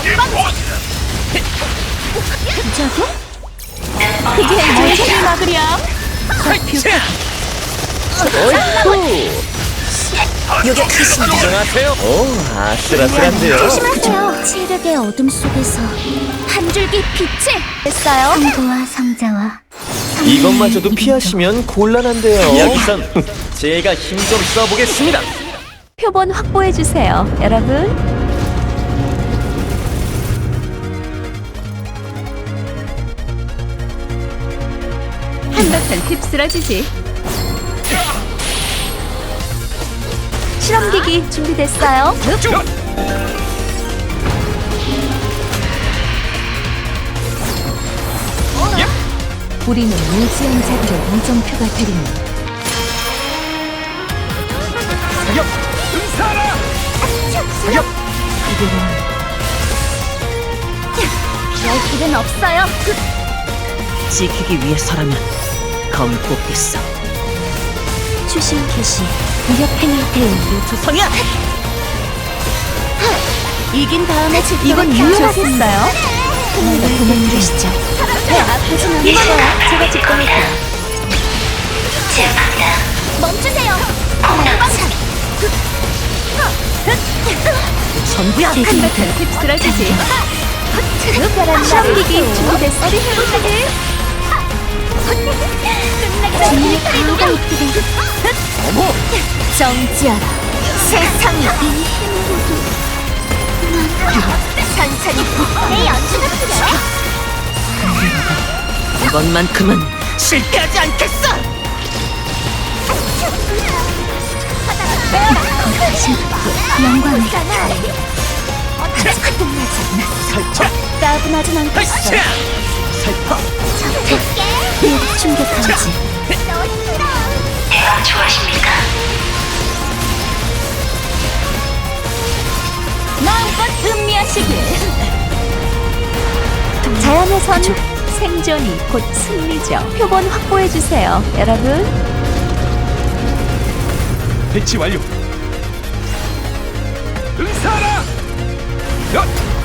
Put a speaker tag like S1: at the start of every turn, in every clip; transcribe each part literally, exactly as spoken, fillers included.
S1: 부자고? 그게 무슨 막으랴?
S2: 어이쿠!
S1: 요격하십니다.
S2: 안녕하세요. 오, 아슬아슬한데요.
S1: 조심하세요. 체력의 어둠 속에서 한 줄기 빛을 냈어요. 성부와 성자와
S2: 이것마저도 피하시면 곤란한데요. 이야기선 제가 힘 좀 써보겠습니다.
S1: 표본 확보해 주세요, 여러분. 한바탕 휩쓸어지지. 실험기기 준비됐어요. 우리는 무지한 자들의 우정표가 되리니
S2: 사격! 응사하라! 사격!
S1: 열 길은 없어요.
S3: 지키기 위해서라면 검을 뽑겠어.
S1: 추심 개시 무력 행위 대응.
S3: 투성이야!
S1: 이긴 다음에 이건 유효하겠어요. 그만 도망가시죠. 배 아프진 않을 거야. 제가 직권할게요. 멈추세요.
S3: 전부야!
S1: 한바탕 휩쓸어지지. 시험기기 준비됐어. 어디 해보자기. 끝나기 전에 강화가 있기를.
S2: 어머!
S1: 정지하라. 세상이 천천히 내 연주가 필요해.
S3: 이번만큼은 실패하지 않겠어!
S1: 영광을 아직 끝나지 않았어. 따분하진 않겠어.
S3: 살펴!
S1: 이 충격하지. 마음껏 음미하시길. 자연에선 생존이 곧 승리죠. 표본 확보해주세요, 여러분.
S2: 배치 완료. 응사하라! 야!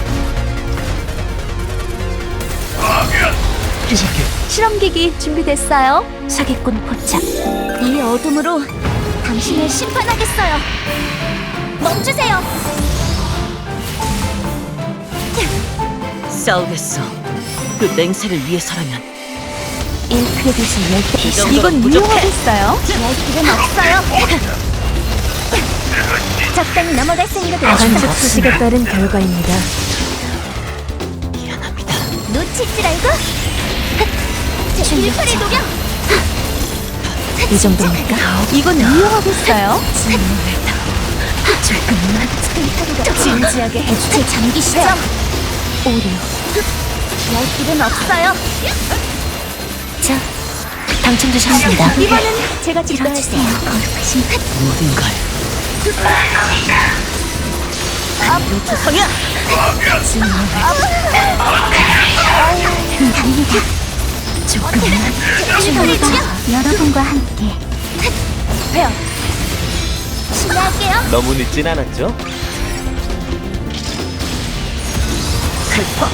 S2: 시작해.
S1: 실험기기 준비됐어요. 사기꾼 포착. 이 어둠으로 당신을 심판하겠어요. 멈추세요.
S3: 싸우겠어. 그 맹세를 위해서라면.
S1: 일 크레딧을 낼 때.
S3: 이 정도는
S1: 이건
S3: 부족해.
S1: 유용하겠어요. 열 길은 없어요. 적당히 넘어갈 생각은 관측 수식에 따른 결과입니다.
S3: 미안합니다.
S1: 놓칠 줄 알고? 제 일팔의 녹여! 이 정도입니까? 이건 유용하겠어요? 조금만 진지하게 해주세요. 잠기시죠? 오류. 열 길은 없어요. 자, 당첨되셨습니다. 이번엔 제가 찍어주세요. 거룩하신
S3: 모든 걸. 투성이야!
S1: 갑니다. 조금만 충분히 여러분과 함께 배워 실례할게요.
S2: 너무 늦진 않았죠?
S3: 살펴!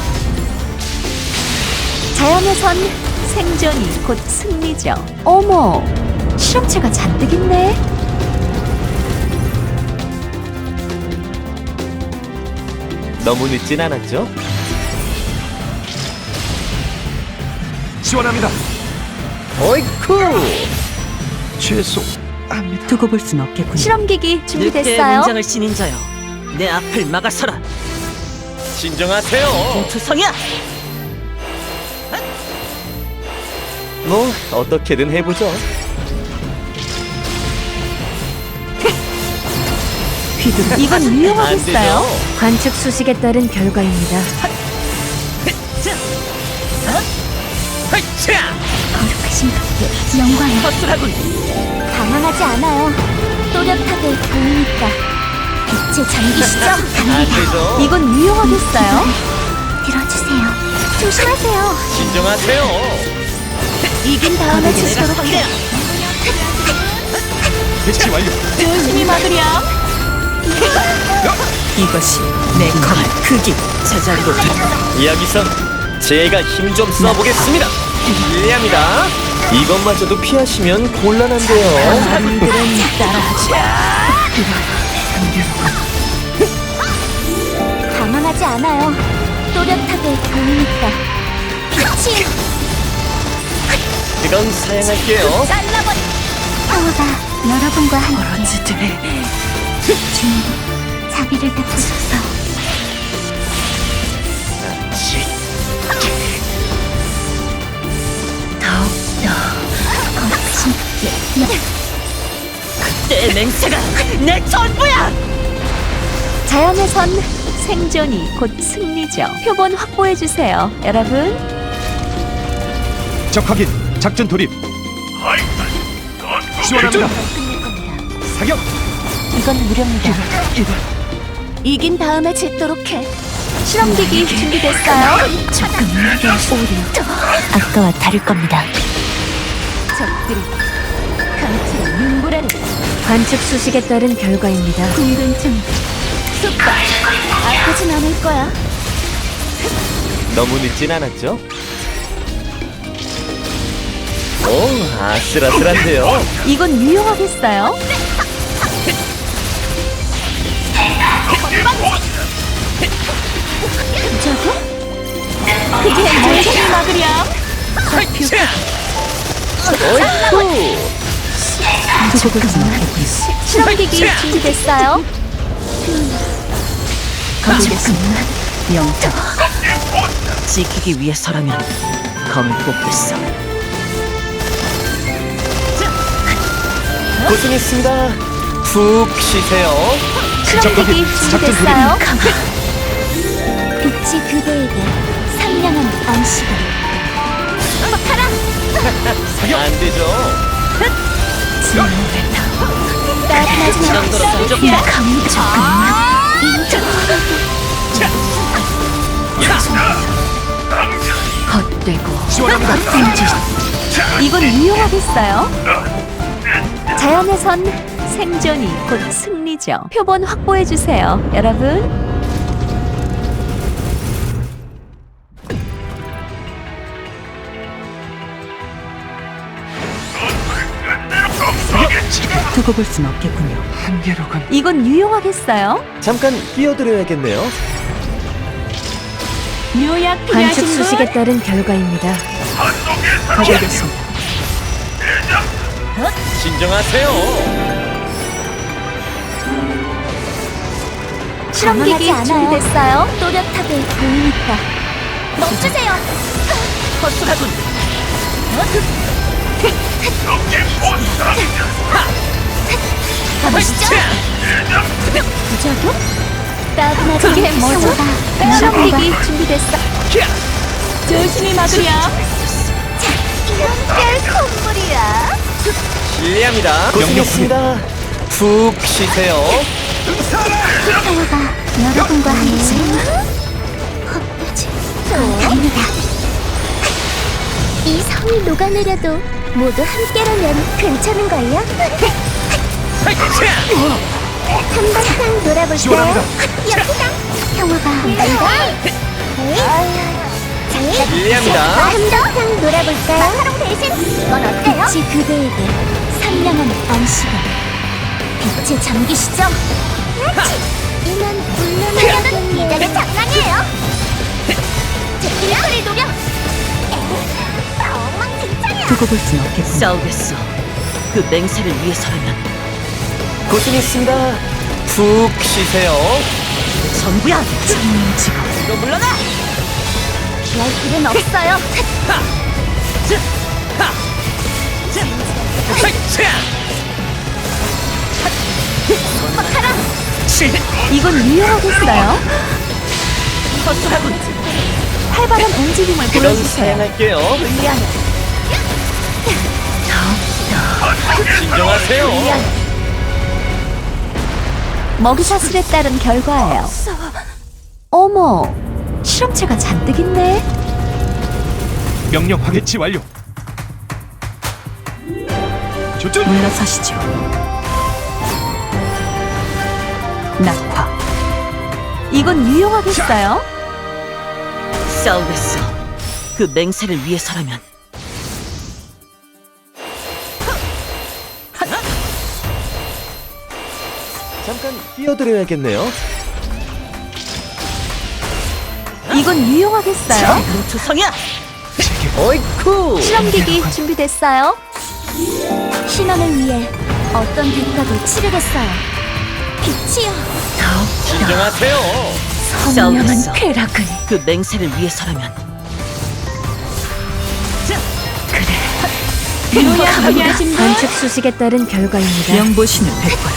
S1: 자연에선 생존이 곧 승리죠. 어머, 실험체가 잔뜩 있네.
S2: 너무 늦진 않았죠?
S4: 지원합니다.
S2: 어이쿠!
S4: 죄송합니다.
S3: 두고 볼 순 없겠군.
S1: 실험기기
S3: 늑대의
S1: 준비됐어요.
S3: 문장을 지닌 자여, 내 앞을 막아서라.
S2: 진정하세요.
S3: 투성이야!
S2: 뭐 어떻게든 해보죠.
S3: 휘두르.
S1: 이건
S2: 안
S1: 유용하겠어요.
S2: 되죠?
S1: 관측 수식에 따른 결과입니다.
S2: 하이차!
S1: 거룩하신 분께 영광을.
S3: 허술하군.
S1: 당황하지 않아요. 또렷하게 보이니까. 빛에 잠기시죠?
S2: 안 되죠?
S1: 이건 유용하겠어요. 들어주세요. 조심하세요.
S2: 진정하세요.
S1: 이긴 다음에
S3: 내가
S1: 치도록
S3: 상대야.
S4: 배치 완료.
S1: 조심히 막으렴.
S4: 야!
S3: 이것이 내 검의 크기. 제자리로
S2: 여기선 제가 힘 좀 써보겠습니다. 실례합니다. 이것마저도 피하시면 곤란한데요.
S3: 사람들은 따라하지.
S1: 당황하지 않아요. 또렷하게 보이니까. 빛이
S2: 그건 사양할게요.
S1: 잘라버리. 평화가 여러분과 함께
S3: 어런지들의
S1: 주님 자비를 베푸소서.
S3: 더욱더
S1: 거침없게
S3: 내 맹세가 내 전부야.
S1: 자연에선 생존이 곧 승리죠. 표본 확보해 주세요, 여러분.
S4: 적 확인. 작전 돌입. 지원합니다. 사격.
S1: 이건 무료입니다. 이긴 다음에 짓도록 해. 실험기기 준비됐어요? 조금만 오류. 아까와 다를 겁니다. 적들이 강철의 눈보라를 관측 수식에 따른 결과입니다. 궁금증. 쑥박. 아프진 않을 거야.
S2: 너무 늦진 않았죠? 오, 아슬아슬한데요.
S1: 이건 유용하겠어요? 저거? 그게 뭐지 막으렴?
S2: 어이쿠.
S1: 실험기기 준비됐어요?
S3: 가보겠습니다. 영웅. 지키기 위해서라면 검을 뽑겠어.
S2: 고생했습니다. 푹 쉬세요.
S1: 실험기기
S4: 작전
S1: 준비됐어요? 빛이 그대에게 상냥한 안식을. 가라!
S2: 안 되죠.
S1: 따뜻하지
S3: 정도로
S1: 않아.
S3: 부족해.
S1: 감히 조금만 인정. 헛되고
S4: 지원합니다.
S1: 이건 유용하겠어요? 자연에선 생존이 곧 승리죠. 표본 확보해 주세요, 여러분.
S3: 두고 볼 순 없겠군요.
S4: 한계로군.
S1: 이건 유용하겠어요?
S2: 잠깐 끼어들어야겠네요.
S1: 묘약
S3: 관측
S1: 필요하신 분?
S3: 수식에 따른 결과입니다. 가보겠습니다.
S2: 진정하세요.
S1: 실험기기 준비됐어요? 또렷하게 보이니까. 멈추세요.
S3: 허술하군.
S1: 가보시죠. 부작용? 따분하지 이게 뭐죠? 실험기기 준비됐어. 조심히 막으렴. 이런 별 콧물이야.
S2: 실례합니다. 고생했습니다. 푹 쉬세요.
S1: 평화가 여러분과 함께. 헛되지. 갑니다. 이 성이 녹아내려도 모두 함께라면 괜찮은걸요? 한바탕 놀아볼까요?
S4: 지원합니다.
S1: 여기다! 평화가 한다.
S2: 실례합니다.
S1: 한바탕 놀아볼까요? 마카롱 대신 이건 어때요? 빛이 그대에게 상냥한 안식을. 빛에 잠기시죠? 이만 물러나려는 이자는 장난이에요. 제끼리 소리 녹여. 엉망진창이야.
S3: 두고 볼 순 없겠군요. 싸우겠어. 그 맹세를 위해서라면
S2: 고생했습니다. 푹 쉬세요.
S3: 전부야. 천명 직업. 이거 물러나.
S1: 피할 길은 없어요. 막하라. 이건 유용하겠어요?
S3: 허술하군.
S1: 활발한 움직임을
S2: 그건
S1: 보여주세요.
S2: 사양할게요.
S1: 미안해.
S2: 진정하세요.
S1: 먹이사슬에 따른 결과예요. 어머, 실험체가 잔뜩 있네.
S4: 명령 확인. 치 완료. 조준.
S3: 물러서시죠. 낙화.
S1: 이건 유용하겠어요?
S3: 싸우겠어. 그 맹세를 위해서라면.
S2: 잠깐 뛰어드려야겠네요.
S1: 이건 유용하겠어요?
S3: 투성이야.
S2: 어이쿠.
S1: 실험기기 준비됐어요? 신원을 위해 어떤 대가도 치르겠어요. 빛이요.
S2: 진정하세요.
S3: 싸우겠어.
S1: 쾌락을.
S3: 그 맹세를 위해서라면.
S1: 합의하신 분? 관측 수식에 따른 결과입니다.
S3: 영보신을 베풀어.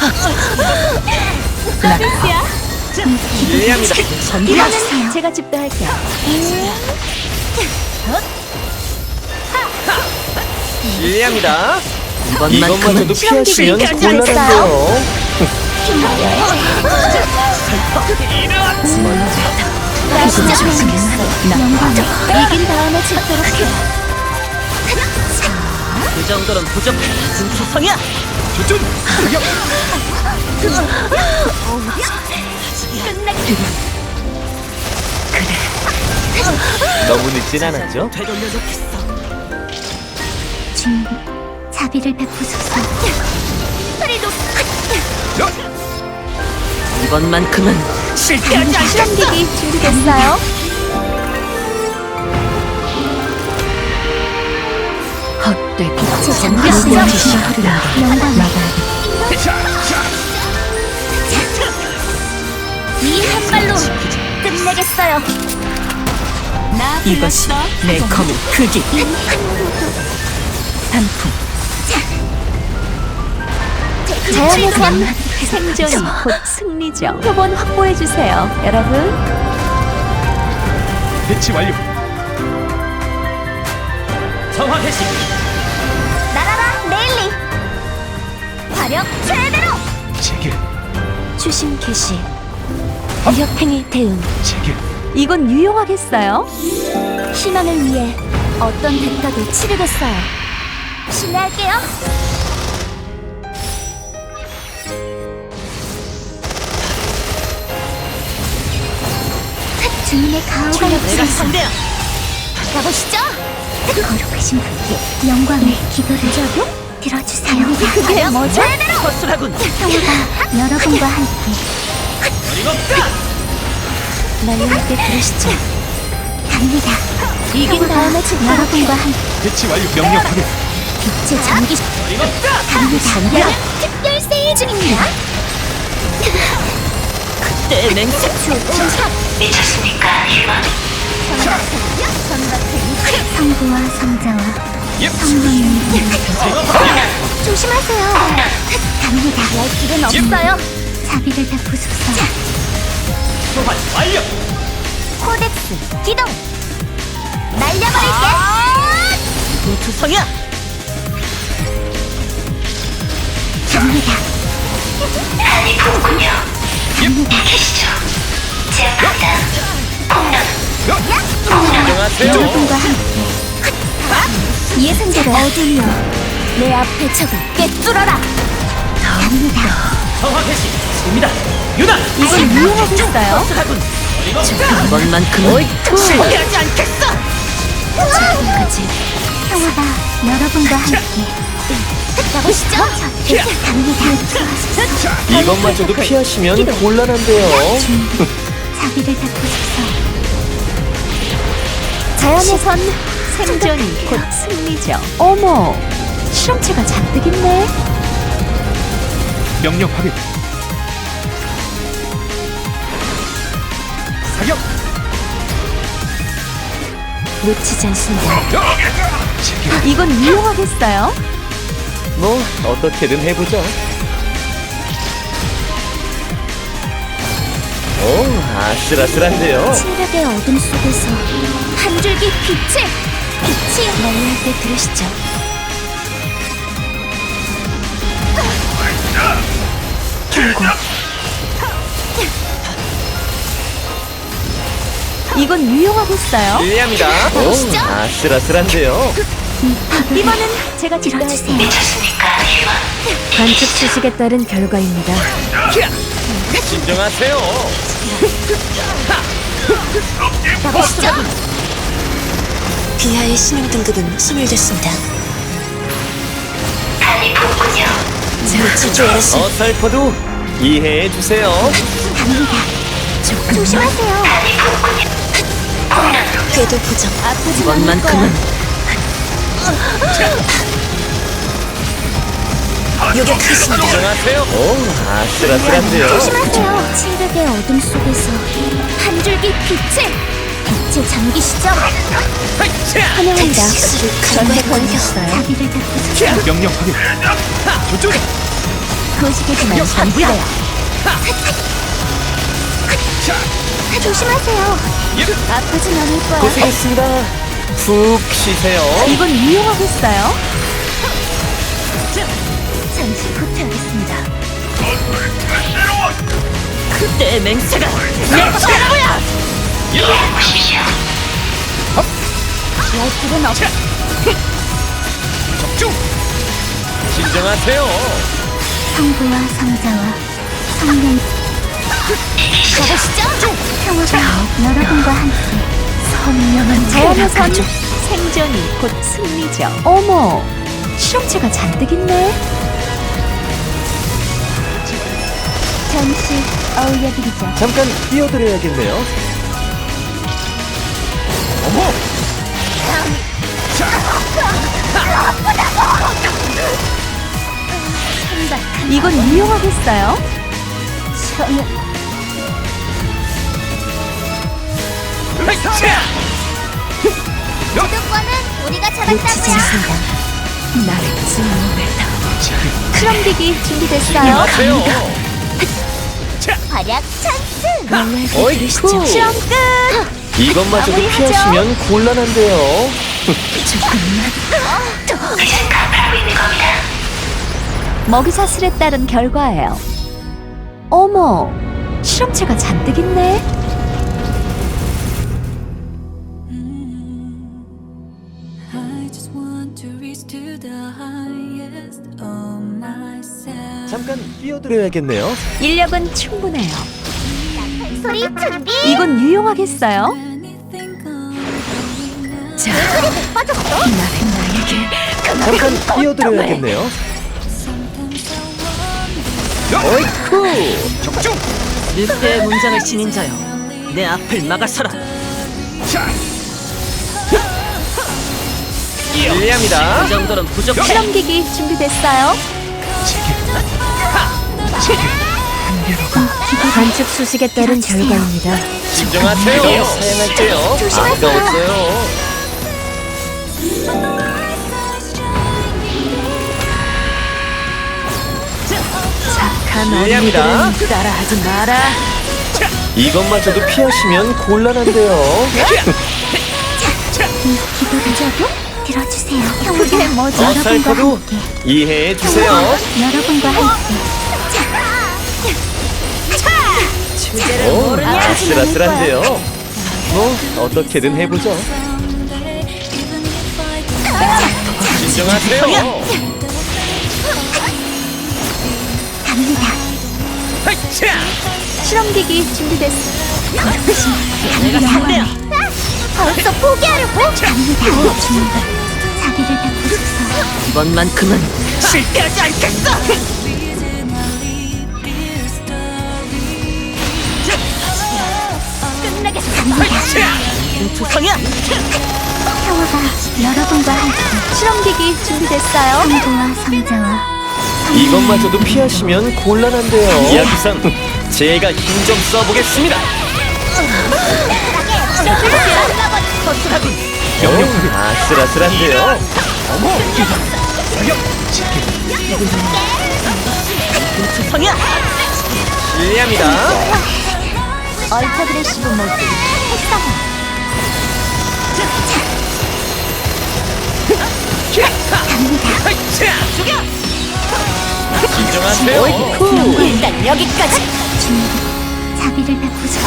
S2: 실례합니다.
S1: 이거는 제가 집도할게요.
S2: 실례합니다.
S3: 이번만큼은
S2: 이것마저도 피하시면
S1: 실험기기
S2: 곤란한데요.
S1: 이긴 다음에 집도록 해요.
S3: 그 정도는 부족해. 투성이야.
S4: 조준. 사격.
S2: 너무 늦진 않았죠?
S3: 되돌려줬겠어.
S1: 주님, 자비를 베푸소서.
S3: 이번만큼은 실패하지 않겠어.
S1: 실험기기 준비됐어요? 헛되고
S3: 잠겼어요.
S1: 영광 이 한 발로 끝내겠어요.
S3: 이것이 내 검의 크기. 단풍.
S1: 자연에선 생존이 곧 승리죠. 표본 확보해 주세요, 여러분.
S4: 배치 완료.
S2: 정화 개시.
S1: 날아라, 네일리. 화력 최대로.
S4: 제길.
S1: 추심 개시. 위협행위 대응.
S4: 제길.
S1: 이건 유용하겠어요? 신원을 위해 어떤 대가도 치르겠어요. 신뢰할게요. 주인의 가호가
S3: 내가 상대야.
S1: 가보시죠. 거룩하신 분께 영광의 기도를 들어주세요. 그게 뭐죠?
S3: 허술하군.
S1: 평화가 여러분과 함께. 날려올 때 들으시죠. 갑니다. 이긴 다음에 여러분과 함께
S4: 배치 완료. 명령 확인.
S1: 빛의 전기 갑니다. 특별 세일 중입니다.
S3: 내 맹세.
S1: 성부와 성자와
S4: 예.
S1: 성령님 조심하세요. 갑니다. 갈 길은 없어요. 자비를 베푸소서.
S2: 소환 완료.
S1: 코덱스 기동. 날려버릴게.
S3: 투성이야.
S1: 갑니다.
S2: 진정하세요.
S1: 여러분과 함께 예상대로 어둠이여 내 앞에 적을 꿰뚫어라. 갑니다.
S2: 정화 개시. 옵니다. 유나.
S1: 이건 유용하겠어요?
S3: 허술하군. 이번만큼은 실패하지 않겠어.
S1: 지금까지 평화가 여러분과 함께. 가보시죠. 갑니다.
S2: 이것마저도 피하시면 곤란한데요.
S1: 자비를 베푸소서. 자연에선 생존이 곧 승리죠. 어머, 실험체가 잔뜩 있네.
S4: 명령 확인. 사격.
S1: 놓치지 않습니다.
S4: 제길.
S1: 이건 유용하겠어요?
S2: 뭐 어떻게든 해보죠. 오, 아슬아슬한데요.
S1: 칠흑의 어둠 속에서 한 줄기 빛을 빛이 날릴 때 들으시죠. 경고. 이건 유용하겠어요?
S2: 실례합니다. 오, 아슬아슬한데요.
S1: 이번은 제가 들어주세요. 관측 수식에 따른 결과입니다.
S2: 진정하세요.
S1: 가보시죠.
S5: 비하의 신용 등급은 소멸됐습니다. 간이 부었군요. 자, 주주였습니다.
S2: 어설퍼도 이해해 주세요.
S1: 조심하세요.
S5: 궤도 고정.
S1: 아프진 않을 거야.
S3: 이번만큼은
S5: 요격하겠습니다.
S2: 진정하세요. 오, 아슬아슬한데요.
S1: 조심하세요. 칠흑의 어둠 속에서 한 줄기 빛을 빛에 잠기시죠. 환영합니다.
S5: 수를
S1: 전대
S5: 간과했군요.
S1: 걸렸어요. 자비를 닦으세요.
S4: 명령 확인. 조준.
S1: 거시기지만 전부래요. 조심하세요. 아프진 않을 거야.
S2: 고생했습니다. 푹 쉬세요.
S1: 이건 유용하겠어요? 잠시 후퇴하겠습니다.
S3: 그때의 맹세가 내 전부야!
S1: 할 필요는 없.
S4: 적중.
S2: 진정하세요.
S1: 성부와 성자와 성령. 가보시죠. 평화가 여러분과 함께 선명한 자연의 선. 생존이 곧 승리죠. 어머, 실험체가 잔뜩 있네. 잠시 어울려드리죠.
S2: 잠깐 띄워드려야겠네요.
S4: 어머.
S1: 이건 유용하겠어요? 저는
S6: 구독권은 우리가
S5: 놓치지
S6: 잡았다고요.
S5: 않습니다.
S1: 나를 증오했다.
S4: 제길.
S1: 크럼비기 준비됐어요?
S2: 진정하세요.
S6: 활약 찬스.
S2: 어이쿠.
S1: 실험 끝!
S2: 이것마저도
S1: 마무리하죠.
S2: 피하시면 곤란한데요.
S1: 먹이사슬에 따른 결과예요. 어머, 실험체가 잔뜩 있네.
S7: I just want to reach to the highest of myself.
S2: 잠깐 띄워드려야겠네요.
S1: 인력은 충분해요.
S6: 소리 준비.
S1: 이건 유용하겠어요?
S7: Anything going now.
S1: 자,
S6: 빠졌어.
S1: 나는 나에게
S2: 잠깐 띄워드려야겠네요.
S7: Sometimes I wonder.
S2: 어이쿠.
S4: 적중.
S3: 늑대의 문장을 지닌 자여 내 앞을 막아서라.
S4: 자.
S2: 실례합니다.
S3: 그 정도는 부족해.
S1: 실험기기 준비됐어요?
S4: 제길.
S1: 관측 수식에 따른 결과입니다.
S2: 진정하세요. 사양할게요. 아까웠어요.
S1: 착한
S2: 실례합니다.
S1: 어린이들은 따라하지 마라.
S2: 이것마저도 피하시면 곤란한데요.
S1: 기도자도 들어주세요. 그게 뭐죠? 여러분과
S2: 어설퍼도
S1: 함께.
S2: 이해해 주세요.
S1: 여러분과 함께. 주제를
S2: 오,
S1: 모르냐?
S2: 아슬아슬한데요. 뭐 어떻게든 해보죠.
S7: Someday, even if I
S2: 진정하세요.
S1: 갑니다.
S2: 자,
S1: 실험기기 준비됐어.
S3: 내가 상대야.
S6: 벌써 포기하려고?
S1: 갑니다. 자비를 베푸소서.
S3: 이번만큼은 실패하지 않겠어.
S7: reason I leave this story.
S3: 투성이야.
S1: 평화가 여러분과 함께. 실험기기 준비됐어요? 성부와 성자와
S2: 이것마저도 피하시면 곤란한데요. 이야기상 제가 힘 좀 써보겠습니다. 오, 아슬아슬한데요.
S4: 어머. 사격. 제길.
S3: 투성이야.
S2: 실례합니다.
S1: 얼터그레시브 모드 활성화.
S2: 진정하세요.
S1: 일단 여기까지. 자비를 베푸소.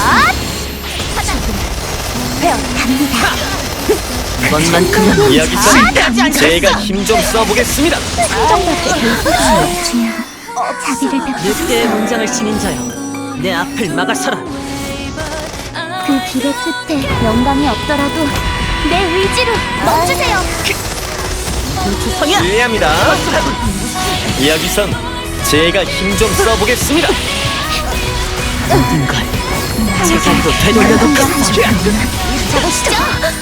S1: 배워 갑니다.
S3: 이번만큼은
S2: 이야기상 제가 힘 좀 써보겠습니다.
S1: 정답게 중요하. 자비를 베푸소.
S3: 늑대의 문장을 지닌 자여 내 앞을 막아서라.
S6: 그 길의 끝에 영광이 없더라도 내 의지로 멈추세요.
S3: 노주성이야.
S2: 실례합니다. 여기선 제가 힘 좀 써보겠습니다.
S3: 모든 걸 제자리로 되돌려놓겠어.
S6: 잡으시죠.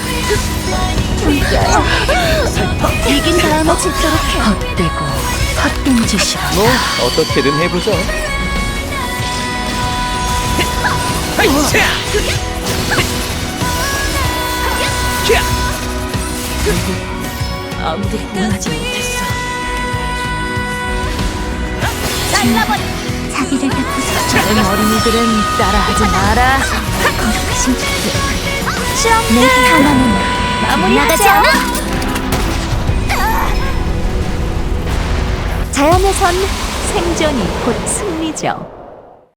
S6: 이긴 다음에 짓도록 해.
S1: 헛되고 헛된 짓이라.
S2: 뭐 어떻게든 해보죠.
S3: 아무도 구원하지 못했어.
S6: 잘라버려. 자기를 뵙고서
S1: 다른 어린이들은 따라하지 마라. 거룩하신 주께
S6: 내 하나는
S1: 마무리하죠.
S6: 나가지 않아.
S1: 자연에선 생존이 곧 승리죠.